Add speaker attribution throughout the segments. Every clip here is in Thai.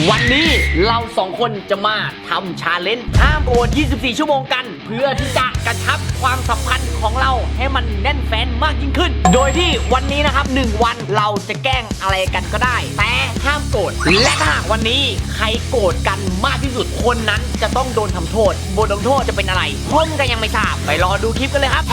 Speaker 1: วันนี้เรา2คนจะมาทำชาเลนจ์ห้ามโอด24 ชั่วโมงกันเพื่อที่จะกระชับความสัมพันธ์ของเราให้มันแน่นแฟ้นมากยิ่งขึ้นโดยที่วันนี้นะครับ1วันเราจะแกล้งอะไรกันก็ได้แต่ห้ามโกรธและถ้าหากวันนี้ใครโกรธกันมากที่สุดคนนั้นจะต้องโดนทำโทษบทลงโทษจะเป็นอะไรผมก็ยังไม่ทราบไปรอดูคลิปกันเลยครับ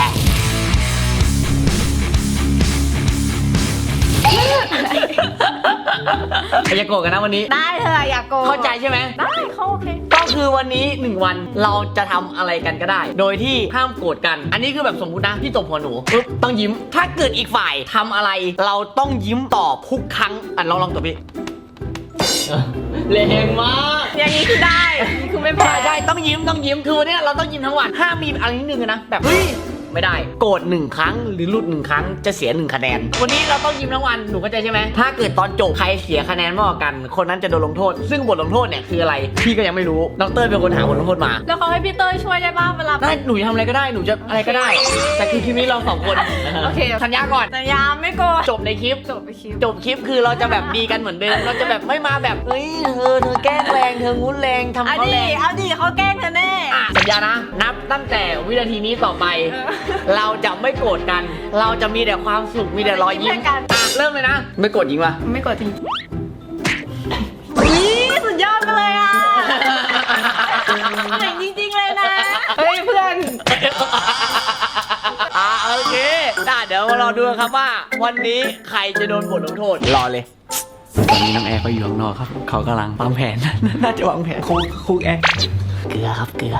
Speaker 1: อย่าโกรธกันนะวันนี้
Speaker 2: ได้เธออย่าโกรธ
Speaker 1: เข้าใจใช่ไหม
Speaker 2: ได้เขาโอเค
Speaker 1: ก็คือวันนี้1วันเราจะทำอะไรกันก็ได้โดยที่ห้ามโกรธกันอันนี้คือแบบสมมุตินะพี่ตบหัวหนูปุ๊บต้องยิ้มถ้าเกิดอีกฝ่ายทำอะไรเราต้องยิ้มตอบทุกครั้งลองตบพี่แรงมาก
Speaker 2: อย่างนี้คือได้นี่คือไม่แพ้
Speaker 1: ได้ต้องยิ้มคือวันนี้เราต้องยิ้มทั้งวันห้ามมีอะไรนิดนึงนะแบบเฮ้ยไม่ได้โกรธ1ครั้งหรือหลุด1ครั้งจะเสีย1คะแนนวันนี้เราต้องยิ้มทั้งวันหนูเข้าใจใช่ไหมถ้าเกิดตอนจบใครเสียคะแนนมากกว่ากันคนนั้นจะโดนลงโทษซึ่งบทลงโทษเนี่ยคืออะไรพี่ก็ยังไม่รู้ดรเป็นคนหาบทลงโทษมา
Speaker 2: แล้วเขาให้พี่เต้ยช่วยได้บ้างเวลา
Speaker 1: ได้หนูจะทำอะไรก็ได้หนูจะอะไรก็ได้แต่คือคลิปนี้เรา2คน
Speaker 2: โอเค
Speaker 1: สัญญาก่อน
Speaker 2: สัญญาไม่โกรธ
Speaker 1: จบในคลิปจบคลิปคือเราจะแบบดีกันเหมือนเดิมเราจะแบบไม่มาแบบเฮ้ยเธอแกล้งแรงเธองุ้นแรงทำเขาแรง
Speaker 2: เอาดิเขาแกล้งเธอแน่
Speaker 1: สัญญานะนับตั้งแต่วินาทีนี้ต่อไปเราจะไม่โกรธกันเราจะมีแต่ความสุขมีแต่รอยยิ้มเริ่มเลยนะไม่โกรธจริงป่ะ
Speaker 2: ไม่โกรธจริงนี่สุดยอดไปเลยอ่ะเจ๋งจริงๆเลยนะเฮ้ยเพื่อน
Speaker 1: โอเคเดี๋ยวมารอดูครับว่าวันนี้ใครจะโดนบทลงโทษรอเลยตอนนี้น้องแอร์เขาอยู่ข้างนอกครับเขากำลังวางแผนน่าจะวางแผนคุกแอร์เกลือครับเกลือ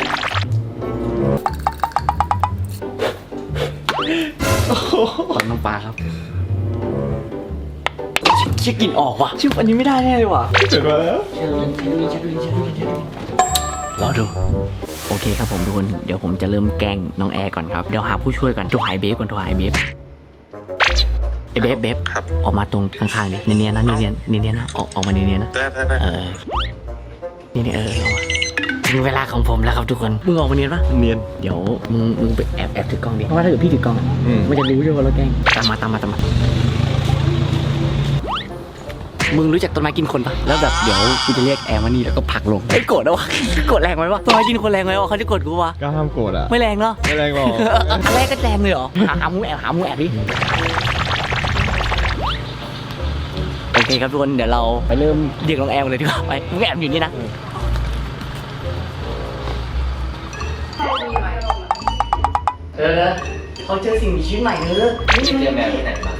Speaker 1: ขอน้ำปลาครับเช็คกลิ่นออกว่ะชื่ออันนี้ไม่ได้แน่เลยว่ะ
Speaker 3: เสร็จมาแล้ว
Speaker 1: รอดูโอเคครับผมทุกคนเดี๋ยวผมจะเริ่มแกล้งน้องแอร์ก่อนครับเดี๋ยวหาผู้ช่วยก่อนโทรหาเบฟก่อนโทรหาเบฟเบฟออกมาตรงข้างๆดิเนียนนะเนียนนะออกมาเนียนนะนี่ออกมาถึงเวลาของผมแล้วครับทุกคนมึงออกมาเนียนปะ
Speaker 3: เนียน
Speaker 1: เดี๋ยวมึงไปแอบถือกล้องดิเพราะว่าถ้าเกิดพี่ถือกล้องมันจะรู้ใช่ไหมว่าเราแกล้งตามมามึงรู้จักต้นไม้กินคนปะแล้วแบบเดี๋ยวกูจะเรียกแอร์มานี่แล้วก็ผลักลงไอ้โกรธนะวะโกรธแรงไหมวะต้นไม้กินคนแรงไหมวะเขาจะโกรธกูวะ
Speaker 3: ก็ห้ามโกรธอ่ะ
Speaker 1: ไม่แรงเนาะ
Speaker 3: ไม่แรงหรอก
Speaker 1: อันแรกก็แรงเลยเหรอหามูแอบดิโอเคครับทุกคนเดี๋ยวเราไปเริ่มเรียกน้องแอร์เลยดีกว่าไปมูแอบอยู่นี่นะเขาเจอสิ่งมีชีวิตใหม่นี่เจอแมวที่ไหนบ้าง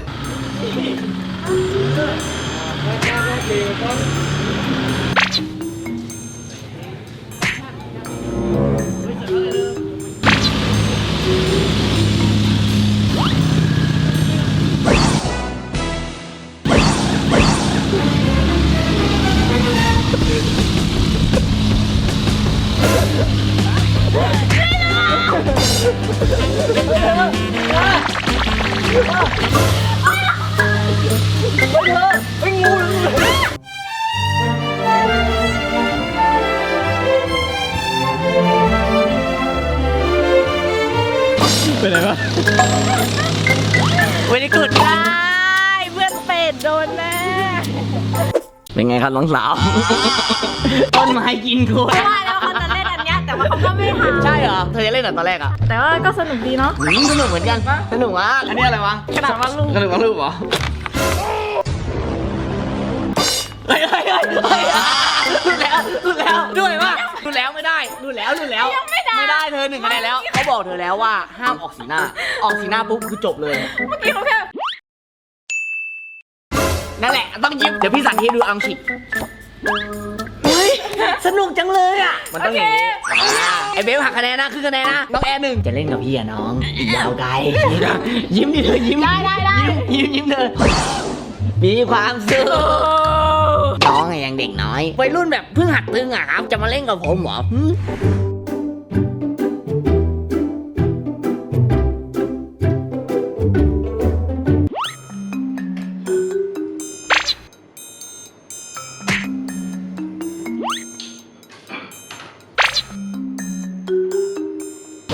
Speaker 3: เป็นไรวะ
Speaker 1: ไม่ได้กด
Speaker 2: ได้เพื่อนเป็ดโดนแน่
Speaker 1: เป็นไงครับน้องสาวต้นไม้กินคน
Speaker 2: ไม่ว่าแล้วเขาจะเล่นอันนี้แต่ว่าเขาก็ไม่ทำ
Speaker 1: ใช่เหรอเธอจะเล่นตอนแรกอ่ะ
Speaker 2: แต่ว่าก็สนุกดีเนาะ
Speaker 1: สนุกเหมือนกันสนุกอ่ะอันนี้อะไรวะ
Speaker 2: กระดาษวาดรูป
Speaker 1: กระดาษวาดรูปเหรอเฮ้ยรุดแล้วด้วยป่ะรุดแล้วไม่ได้รุดแล้วไม่ได้เธอ1คะแนนแล้วเขาบอกเธอแล้วว่าห้ามออกสีหน้าปุ๊บคือจบเลย
Speaker 2: เมื่อกี้เขาแค่
Speaker 1: นั่นแหละต้องยิ้มเดี๋ยวพี่สั่งให้ดูอังชิกเฮ้ยสนุกจังเลยอ่ะมันต้องอย่างนี้ไอเบลหักคะแนนนะคือคะแนนนะน้องแอร์1จะเล่นกับพี่อะน้องอีกยาวไกลยิ้มดิเธอยิ้ม
Speaker 2: ได้
Speaker 1: ยิ้มเธอมีความสุขน้องยังเด็กน้อยวัยรุ่นแบบเพิ่งหัดตึงอ่ะครับจะมาเล่นกับผมเหรอ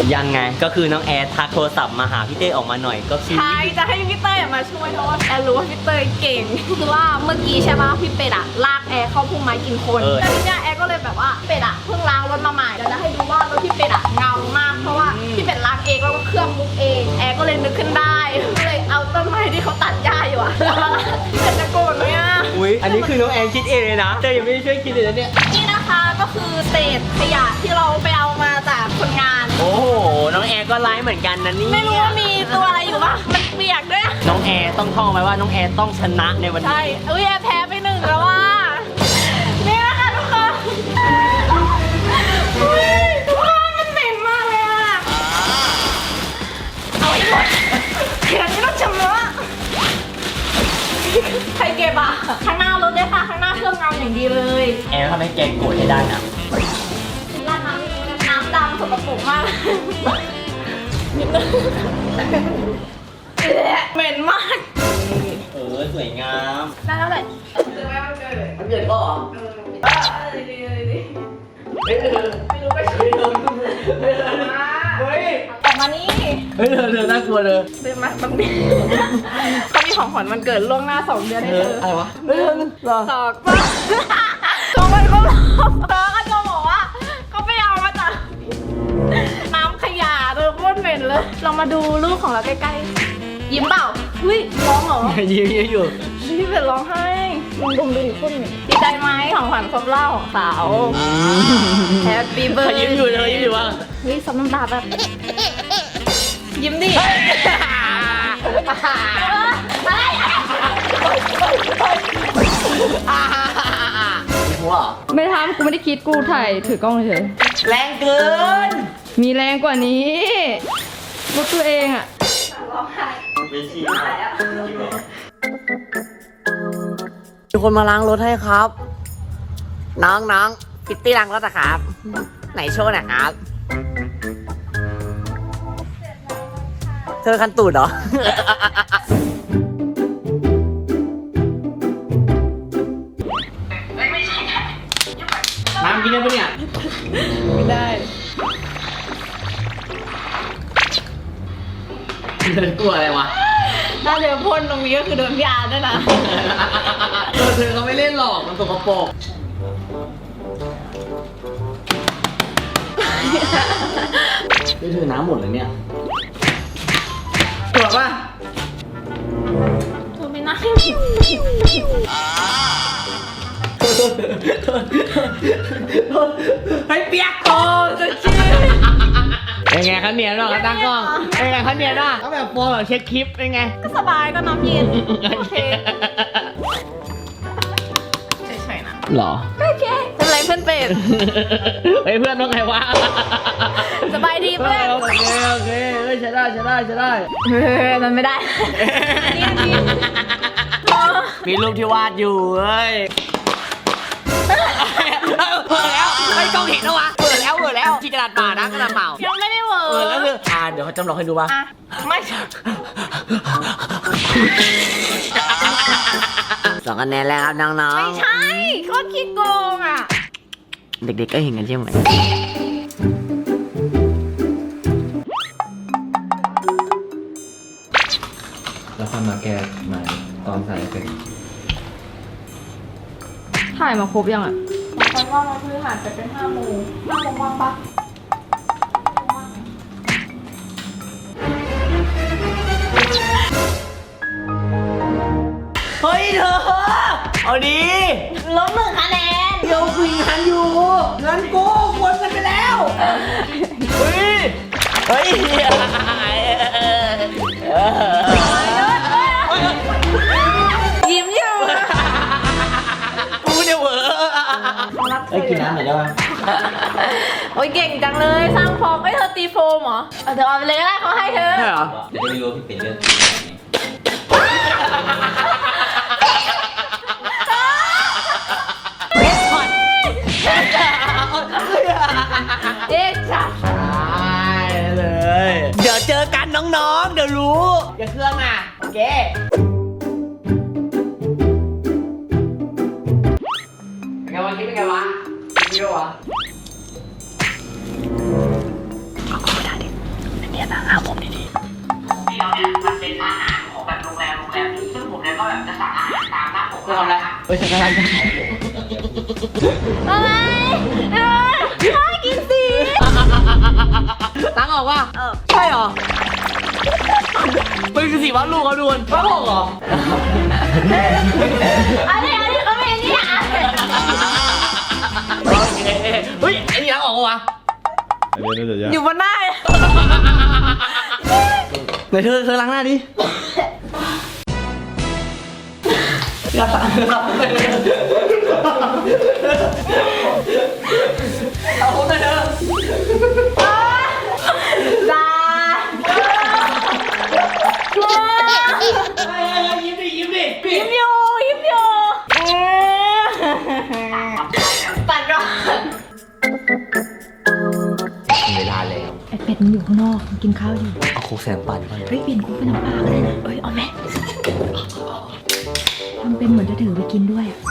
Speaker 1: ยังไงก็คือน้องแอร์ทักโทรศัพท์มาหาพี่เต้ออกมาหน่อยก็คือ
Speaker 2: ใช่จะให้พี่เต้ยมาช่วยเพราะว่าแอร์รู้ว่าพี่เต้ยเก่งคือว่าเมื่อกี้ใช่ป่ะพี่เป็ดอะลากแอร์เข้าพุ่มไม้กินคนแล้วทีเนี้ยแอร์ก็เลยแบบว่าเป็ดอะเพิ่งล้างรถมาใหม่เดี๋ยวจะให้ดูว่ารถพี่เป็ดอะเงามากเพราะว่าพี่เป็ดล้างเองแล้วก็เครื่องมุกเองแอร์ก็เลยนึกขึ้นได้ก็เลยเอาต้นไม้ที่เขาตัดหญ้าอยู่อะแล้วพี่เป็ดจะโกรธไหมอะ
Speaker 1: อุ้ยอันนี้คือน้องแอร์คิดเองเลยนะเต้ยังไม่ได้ช่วยคิดเลยนะเนี่ย
Speaker 2: นี่นะคะก็คือเศษขยะที่เราไปเอามาจากคนงาน
Speaker 1: โอ้โหน้องแอร์ก็ไลฟ์เหมือนกันนะนี่
Speaker 2: ไม่รู้ว่ามีตัวอะไรอยู่ปะมันเปียกด้วย
Speaker 1: น้องแอร์ต้องท่องไว้ว่าน้องแอร์ต้องชนะในวันนี้
Speaker 2: ใช่อุ้ยแอร์แพ้ไปหนึ่งแล้วว่านี่นะคะทุกคนอุ้ยทุกคนมันเหม็นมากเลยอะเอาให้หมดเดี๋ยวนี้ต้องชำระใครเก็บอะข้างหน้ารถด้วยค่ะข้างหน้าเครื่องเงาอย่างดีเลย
Speaker 1: แอร์ทำให้แกโกรธให้ได้นะ
Speaker 2: ราดน้ำดำสกปรกมากนิดนึงเหม็นมาก
Speaker 1: สวยงาม
Speaker 2: ได้แล้วแหละ
Speaker 1: มันเกิดก็เหรอ
Speaker 2: ไม่รู้ไปช่วยเฮ้ยออกมานี่
Speaker 1: เฮ้ยเธอน่ากลัวเลย
Speaker 2: เดินมาบังดิเขามีของขวัญวันเกิดล่วงหน้า2 เดือนให้เธอ
Speaker 1: อะไรวะเฮ้ยเหรอ
Speaker 2: สอกป่ะโจมันก็บอกเธอก็โจบอกว่าเขาไปเอามาจากน้ำขยะเธอโคตรเหม็นเลยเรามาดูรูปของเราใกล้ๆยิ้มเปล่าอุ้ยร้องเหรอ
Speaker 1: ยิ้มอยู่
Speaker 2: พี่เป็นร้องไห้ดมดูดิคนดีใจไหมของขวัญครบรอบของสาว Happy
Speaker 1: เขา
Speaker 2: birthday
Speaker 1: ยิ้มอยู่เลยยิ้มอยู่ว่า
Speaker 2: เฮ้ยซับน้ำตาแบบยิ้มดิอะไร
Speaker 1: หัว
Speaker 4: ไม่ทำกูไม่ได้คิดกูถ่ายถือกล้องเฉย
Speaker 1: แรงเกิน
Speaker 4: มีแรงกว่านี้รถตัวเองอ่ะ
Speaker 2: ร้องไห้
Speaker 1: เป็นชีมีคนมาล้างรถให้ครับ น้องปิตตี้ล้างรถอะครับ ไหนโชว์หน่อยครับ เธอคันตูดเหรอ น้ำกินได้ปะเนี่ย
Speaker 4: ไม่ได้
Speaker 1: เธอกลัวอะไรวะ
Speaker 2: น่าจะพ่นตรงนี้ก็คือโดนยาด้วยนะ
Speaker 1: เธอเขาไม่เล่นหรอก มันสกปรกไม่ถือน้ำหมดเลยเนี่ยตรวจป่ะ
Speaker 2: เธอไม่น่า
Speaker 1: ให้เปียกโตจะชื่อเป็นไงคะเนียนหรอคะตั้งกล้องเป็นไงคะเนียนหรอก็แบบโปรแบบเช็คคลิปเป็นไง
Speaker 2: ก็สบายก็น้ำเย็นโอเคเฉยๆนะ
Speaker 1: หรอ
Speaker 2: โอเคเป็นไรเพื่อนเป็ด
Speaker 1: เฮ้ยเพื่อนต้องไงวะ
Speaker 2: สบายดีเพื่อน
Speaker 1: โอเคเฮ้ยใช้ได้
Speaker 2: เฮ้ยมันไม่ได้นี่
Speaker 1: มีรูปที่วาดอยู่เฮ้ยเปิดแล้วไอ้กล้องเห็นแล้ววะเปิดแล้วที่กระดาษเปล่านะกระดาษเปล่า
Speaker 2: ยังไม่ได้เวิร์
Speaker 1: เปิดแล้วคือเดี๋ยวเขาจำลองให้ดูป่ะ
Speaker 2: อ่ะไม่
Speaker 1: 2 คะแนนแล้วครับน้อง
Speaker 2: ไม่ใช่โคตรขี้โกงอ่ะ
Speaker 1: ๆเด็กๆก็เห็นกันใช่ไหม
Speaker 3: แล้วค่อยมาแก้ใหม่ตอนใส่เอฟเฟกต์
Speaker 4: ถ่ายมาครบยังอ่ะ
Speaker 2: ตอนว่าเราคือหันไปเป็น5 โมงว่างปะ
Speaker 1: เฮ้ยเธอเอาดี
Speaker 2: ลบ1 คะแนน
Speaker 1: เดี๋ยวคุยงานอยู่เงินกูวนกันไปแล้วเฮ้ย
Speaker 2: ยิ้มอยู่
Speaker 1: กูเนี่ยเหวอกินน้ำหน่อยได้ไหม
Speaker 2: โอ้ยเก่งจังเลยสร้างฟอร์มเธอตีโฟมเหรอเดี๋ยวเอาไปเลยก็ได้เขาให้เธอ
Speaker 1: ใช่เหรอ
Speaker 5: เดี๋ยวจะไปดูพี่เป็นเรื่อง
Speaker 2: เอ๊ะจ้ะ
Speaker 1: ได้เลย เดี๋ยวเจอกันน้องๆ เดี๋ยวรู้ อย่าเครื่องอ่ะ โอเค เป็นไงวะคิดเป็นไงวะคิดวะแบบจะสั่งอาหารตามหน้าปกจะทำอะไรเฮ้ยฉันกำลังจะ
Speaker 2: อะไรน่ากินสิ
Speaker 1: ตั้งออกว่าใช่เหรอมันคือสีวาดรูปเขาดูนวาดรูปเหรอ
Speaker 2: อันนี้เขาเป็นนี่อ่ะ
Speaker 1: โอเคเฮ้ยไอ้นี่ล้างออกวะ
Speaker 2: อยู่บนหน้า
Speaker 1: ไหนเธอล้างหน้าดิอย่าตัดเอาคนไปเถอะ
Speaker 2: จ้า
Speaker 1: ยิ้มดิ
Speaker 2: ยิ้มอยู่ปัดก่อน
Speaker 1: เวลาแล้ว
Speaker 4: ไอเป็ดมันอยู่ข้างนอกมันกินข้าวอยู่
Speaker 1: เอาโคกแสงปั่นไป
Speaker 4: เฮ้ยเปลี่ยนคุกเป็นน้ำปลาก็ได้นะเอ้ยเอาไหมทำเป็นเหมือนจะถือไปกินด้วยอะ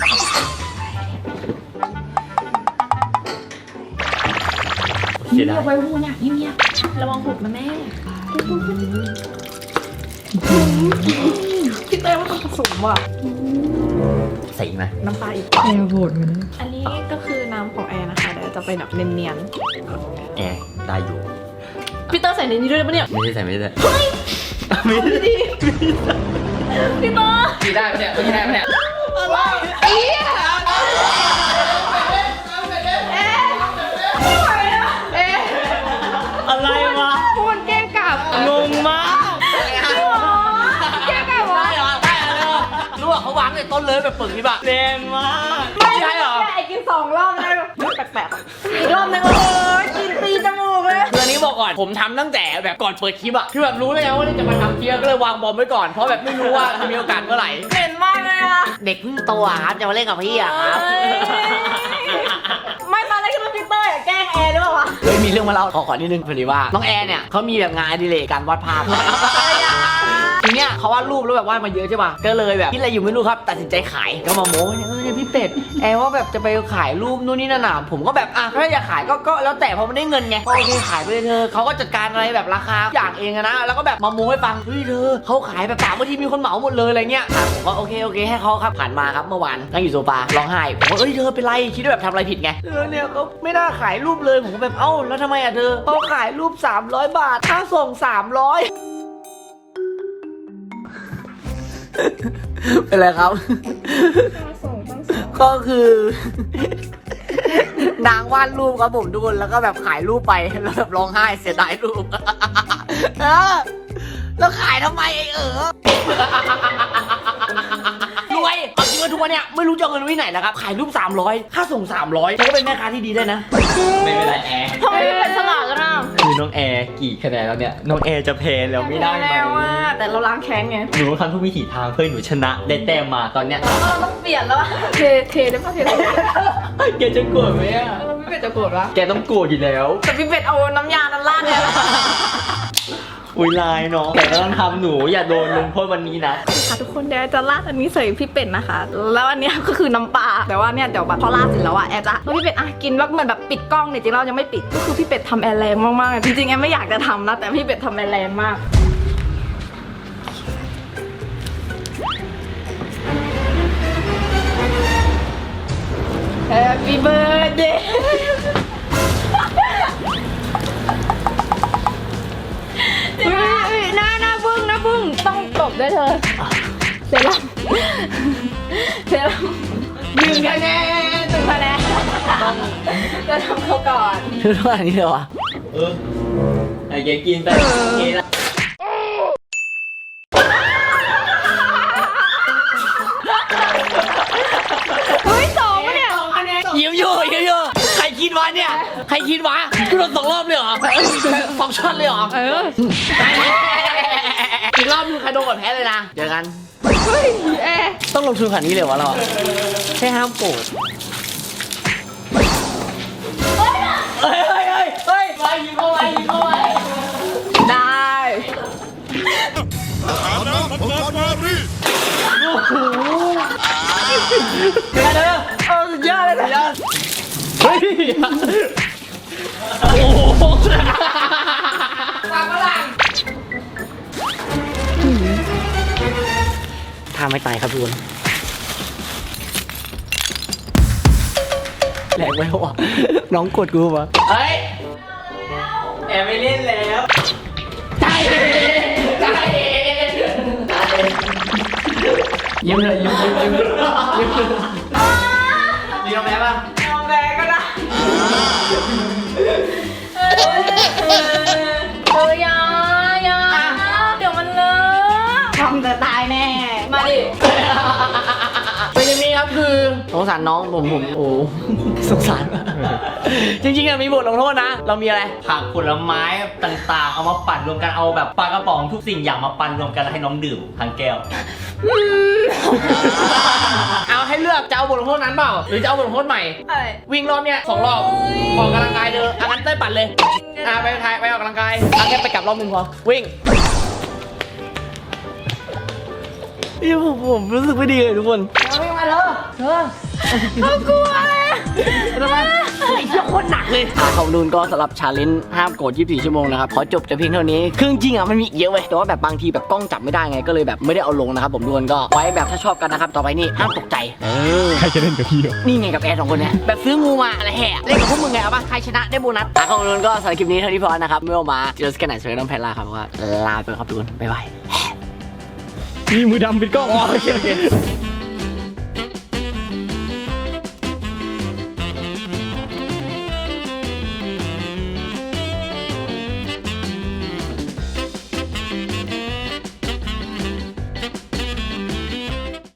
Speaker 1: เสีย
Speaker 4: เงี
Speaker 1: ดาย
Speaker 4: บไว้หูเนี่ยเงียบ
Speaker 2: ระวังหุบนะแม่พี่เต้ว่าต้องผสมว่ะ
Speaker 1: ใส่ไหม
Speaker 2: น้ำปลาอีก
Speaker 4: แอร์โหดกันนะ
Speaker 2: อันนี้ก็คือน้ำของแอร์นะคะเดี๋ยวจะเป็นแบบเนียน
Speaker 1: แอร์ได้อยู่
Speaker 2: ๆพี่เต้ใส่ในนี้ด้วยปะเนี่ย
Speaker 1: ไม่ได้ใส่ไม่ได้
Speaker 2: ไม่ดีพี่เต้
Speaker 1: กินได้ปะเนี่ยกินได้ปะเนี่ย
Speaker 2: อะไรอีอะ
Speaker 1: อะไรวะ
Speaker 4: พูดแกล้งกลับ
Speaker 1: งงมาก
Speaker 2: แกไก่วะ
Speaker 1: ได้เหรอได้เหรอรู้ว่าเขาวางในต้นเลยแบบปึกนี่แบบแรงมากไม่ใช่เหรอ
Speaker 2: ไอ้กิน2 รอบแล้วแปลกๆอีกรอบนึงโอ้ยกินตีจมูกเลย
Speaker 1: คืออันนี้บอกก่อนผมทำตั้งแต่แบบก่อนเปิดคลิปอะคือแบบรู้เลยนะว่าจะมาทำคลิปก็เลยวางบอมไว้ก่อนเพราะแบบไม่รู้ว่าจะมีโอกาสเมื่อไหร่
Speaker 2: เหม็นมากเลยอะ
Speaker 1: เด็กเพิ่งโตอะครับจะมาเล่นกับพี่อะครับ
Speaker 2: ไม่ตอนแรกคิดว่าพี่เต้ยแกล้งแอร์หรือเปล่าวะ
Speaker 1: เฮ้ยมีเรื่องมาเล่าขอนิดนึงพอดีว่าน้องแอร์เนี่ยเขามีแบบงานอดิเรกการวาดภาพทีเนี้ยเขาวาดรูปแล้วแบบวาดมาเยอะใช่ป่ะก็เลยแบบคิดอะไรอยู่ไม่รู้ครับตัดสินใจขายก็มาโม้เนี่ยพี่เป็ดแอร์ว่าแบบจะไปขายรูปนู่นนี่นั่นน่ะผมก็แบบอ่ะถ้าอยากขายก็แล้วแต่เพราะมันได้เงินไงก็โอเคขายไปเลยเธอเขาก็จัดการอะไรแบบราคาอย่างเองอะนะแล้วก็แบบมาโม้ให้ฟังเฮ้ยเธอเขาขายแบบ3 นาทีมีคนเหมาหมดเลยอะไรเงี้ยผมก็โอเคให้เขาครับผ่านมาครับเมื่อวานนั่งอยู่โซฟาร้องไห้ผมก็เอ้ยเธอเป็นไรคิดว่าแบบทำอะไรผิดไงเนี่ยเขาไม่น่าขายรูปเลยผมก็แบบเอ้าแล้วทำไมอะเธอเขาขายรูป300 บาทค่าส่ง300เป็นไรครับ ก็คือ นางวาดรูปครับผมทุกคนแล้วก็แบบขายรูปไปแล้วแบบร้องไห้เสียดายรูป แล้วขายทำไมไอ้รวยเอาจริงว่าทุกวันเนี้ยไม่รู้จะเอาเงินไว้ไหนแล้วครับขายรูป300ค่าส่ง300เธอก็เป็นแม่ค้าที่ดีได้นะไม่เป็นไรแอร์
Speaker 2: ทำไมไม่เป็นฉลาดกันอ่ะ
Speaker 3: คือน้องแอร์กี่คะแนนแล้วเนี่ย น้องแอร์จะเพลนแล้วไม่ได้ไหม
Speaker 2: แล้วว่าแต่เราล้างแค้นไง
Speaker 3: หนูทำทุกวิถีทางเพื่อหนูชนะได้แต้มมาตอนเนี้ย
Speaker 2: เราต้องเปลี่ยนแล้วอะเทได้ปะเทได้
Speaker 3: แกจะโกรธไหมอ่ะ
Speaker 2: เราพี่เป็ดจะโกรธปะ
Speaker 3: แกต้องโกรธอยู่แล้ว
Speaker 2: แต่พี่เป็ดเอาน้ำยานั้นราดเนี่ย
Speaker 3: อุ้ยลายเนาะแต่ก็ต้องทำหนูอย่าโดนลงโทษวันนี้นะ
Speaker 2: ค่ะทุกคนเดี๋ยวจะราดอันนี้ใส่พี่เป็ดนะคะ แล้วอันเนี้ยก็คือน้ำปลาแต่ว่าเนี่ยเดี๋ยวแบบพอราดเสร็จแล้วอะแอร์จะแล้วพี่เป็ดอ่ะกินแล้วเหมือนแบบปิดกล้องเนี่ยจริงๆเรายังไม่ปิดก็คือพี่เป็ดทำแอร์แรงมากๆจริงๆแอร์ไม่อยากจะทำนะแต่พี่เป็ดทำแอร์แรงมากHappy birthday หน้าบึ้งต้องตบด้วยเธอเซรั่ม1 คะแนนจะทำเขาก่อน
Speaker 1: เธอว่าอันนี้เลยวะ
Speaker 3: ไอ้แกกินไปโอเคละ
Speaker 2: เฮ้ย2เนี่ย
Speaker 1: ยิ้มอยู่ใครคิดวะเนี่ยใครคิดวะกูโดน2 รอบเลยเหรอ2 ช็อตเลยเหรออีกรอบนึงใครโดนก่อนแพ้เลยนะเดี๋ยวกัน
Speaker 2: เฮ้ยแอร์
Speaker 1: ต้องลงทุนขนาดนี้เลยวะเราอะแค่ห้ามโกรธเฮ้ยไปยิงเข้าไป
Speaker 2: ได้
Speaker 1: เป็นไงเธอ
Speaker 2: สุดยอดเลยนะ
Speaker 1: เฮ้ยโอ้โหทฆ่าไม่ตายครับทุกคนแหลกไปแล้วอ่ะน้องกดกูปะเฮ้ยแอบไม่เล่นแล้วใจยิ้มเลยยิ้มยอมแพ้ป่ะ
Speaker 2: ยอมแพ้ก็ได้ยาเดี๋ยวมันเลอะทำจะตายแน่ มาดิ
Speaker 1: เป็นอย่างนี้ครับคือสงสารน้องผมโอ้สงสารจริงๆอะมีบทลงโทษนะ เรามีอะไร
Speaker 3: ผักผลไม้ต่างๆ เอามาปั่นรวมกันเอาแบบปลากระป๋องทุกสิ่งอย่างมาปั่นรวมกันแล้วให้น้องดื่มทั้งแก้ว
Speaker 1: เอาให้เลือกจะเอาบทลงโทษนั้นเปล่าหรือจะเอาบทลงโทษใหม่
Speaker 2: อะไร
Speaker 1: วิ่งรอบเนี้ย2 รอบออกกำลังกายเด้องั้นเต้ยปั่นเลยไปออกกำลังกายแค่ไปกลับรอบนึงพอวิ่งผมรู้สึกไม่ดีเลยทุกคนวิ่งมาเถอะ
Speaker 2: เขากลัวเลย
Speaker 1: ทำไมไอ้เหี้ยโคตรหนักเลยขอบคุณก็สำหรับชาเลนจ์ห้ามโกรธ24 ชั่วโมงนะครับขอจบแต่เพียงเท่านี้คือจริงๆอ่ะมันมีอีกเยอะเว้ยแต่ว่าแบบบางทีแบบกล้องจับไม่ได้ไงก็เลยแบบไม่ได้เอาลงนะครับผมทุกคนก็ไว้แบบถ้าชอบกันนะครับต่อไปนี่ห้ามตกใจ
Speaker 5: ใครจะเล่นกับพี่เหรอ
Speaker 1: นี่ไงกับแอร์2 คนเนี่ยแบบซื้องูมาอะไรแห่เล่นกับพวกมึงไงเอาป่ะใครชนะได้โบนัสขอบคุณก็สำหรับคลิปนี้เท่านี้พอนะครับเมื่อมาเจอกันไหนสวัสดีน้องแพลล่าครับว่าลาไปครับทุกคนบ๊ายบาย
Speaker 5: นี่มือดำปิดกล้อง
Speaker 1: โอเค